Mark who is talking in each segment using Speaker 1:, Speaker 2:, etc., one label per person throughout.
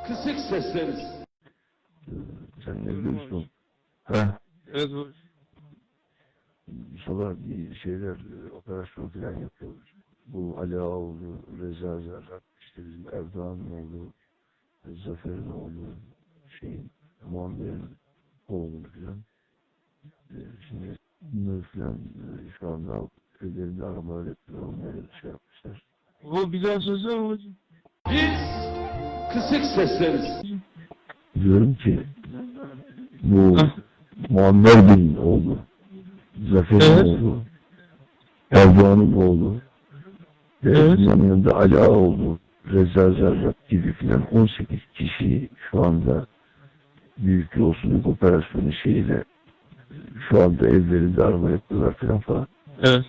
Speaker 1: Kısık sesleriz.
Speaker 2: Sen ne biliyorsun? Ha?
Speaker 3: Evet hocam.
Speaker 2: Sabah bir şeyler, operasyon falan yapıyoruz. Bu Ali Ağoğlu, Reza Zerrak, işte bizim Erdoğan'ın oğlu, Zafer'in oğlu, Muammer'in oğlu falan. Şimdi bunları falan şu anda köylerinde aramalar yapıyorlar, onları şey yapmışlar.
Speaker 3: Bu bir daha söylesene hocam.
Speaker 1: Biz kısık sesleriz.
Speaker 2: Diyorum ki bu Muammer Bey'in oğlu, Zafer'in
Speaker 3: Evet.
Speaker 2: oğlu, Erdoğan'ın oğlu, ve
Speaker 3: Evet.
Speaker 2: bunun yanında Ali Ağoğlu, Reza Zerrak gibi filan 18 kişi şu anda büyük yolsuzluk operasyonu şeyiyle şu anda evlerinde arama yapıyorlar falan.
Speaker 3: Evet.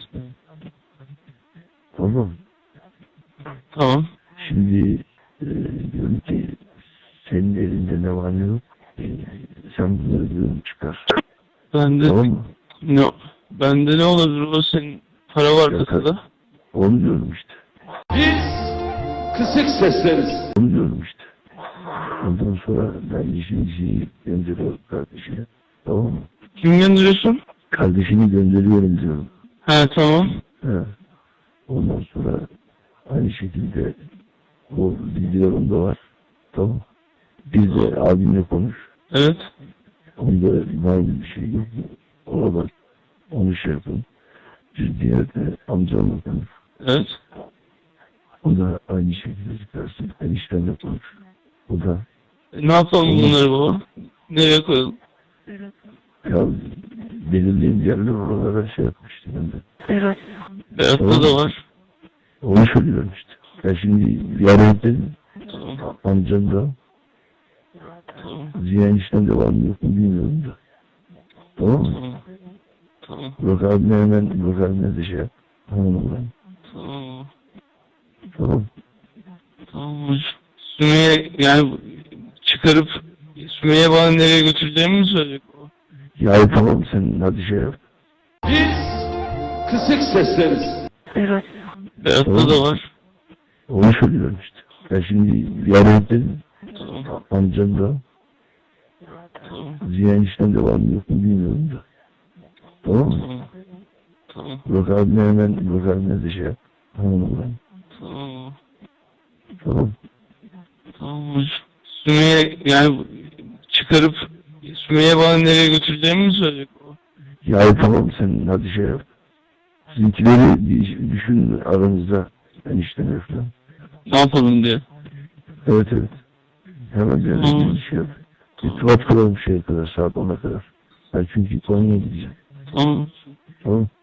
Speaker 2: Tamam.
Speaker 3: Tamam.
Speaker 2: Şimdi diyorum ki senin elinde ne var ne yok. Sen bunları diyorum çıkar.
Speaker 3: Bende
Speaker 2: Tamam mı?
Speaker 3: ne? Bende ne olabilir? O senin para var kasada.
Speaker 2: Onu diyorum işte.
Speaker 1: Biz kısık sesleriz.
Speaker 2: Onu diyorum işte. Ondan sonra ben işimizi gönderiyorum kardeşine. Tamam mı?
Speaker 3: Kim gönderiyorsun?
Speaker 2: Kardeşini gönderiyorum diyorum.
Speaker 3: He tamam.
Speaker 2: He. Ondan sonra aynı şekilde o videolarım da var. Tamam. Bir de abimle konuş.
Speaker 3: Evet.
Speaker 2: Onda var bir şey yok. Ona bak. Onu şey yapın. Bir diğer de amcamla konuş.
Speaker 3: Evet.
Speaker 2: O da aynı şekilde çıkarsın. Eniştenle konuş. O da
Speaker 3: Ne yapalım bunları baba? Nereye koyalım?
Speaker 2: ya belirleyen yerler oralara şey yapmıştı ben de.
Speaker 4: Evet.
Speaker 3: Berat'ta da var.
Speaker 2: Onu söylüyorum işte. Ben şimdi yarın dedim.
Speaker 3: Tamam.
Speaker 2: Amcam da
Speaker 3: Tamam.
Speaker 2: Ziya enişten de var mı yok mu bilmiyorum da. Tamam mı?
Speaker 3: Tamam. Tamam.
Speaker 2: Burak abime de şey yap. Tamam ben.
Speaker 3: Tamam.
Speaker 2: Tamam.
Speaker 3: Tamam hocam. Sümeyye yani çıkarıp Sümeyye bana nereye götüreceğimi mi söyleyecek o?
Speaker 2: Ya tamam sen hadi şey yap.
Speaker 1: Biz kısık sesleriz.
Speaker 4: Evet.
Speaker 3: Berat'ta da var.
Speaker 2: Onu söylüyorum işte. Ben şimdi yarın dedim.
Speaker 3: Tamam.
Speaker 2: Amcam da
Speaker 3: Tamam.
Speaker 2: Ziya enişten de var mı yok mu bilmiyorum da. Tamam mı?
Speaker 3: Tamam. Tamam.
Speaker 2: Burak abime de şey yap. Tamam ben.
Speaker 3: Tamam.
Speaker 2: Tamam.
Speaker 3: Tamam hocam. Sümeyye yani çıkarıp Sümeyye bana nereye götüreceğimi mi söyleyecek o?
Speaker 2: Ya tamam sen hadi şey yap. Sizinkileri bir düşün aranızda. Enişten falan.
Speaker 3: Ne yapalım diye.
Speaker 2: Evet. Hemen
Speaker 3: Tamam.
Speaker 2: bir şey yap. İrtibat kuralım şeye kadar, saat 10'a kadar. Ben çünkü Konya'ya gideceğim.
Speaker 3: Tamam.
Speaker 2: Tamam.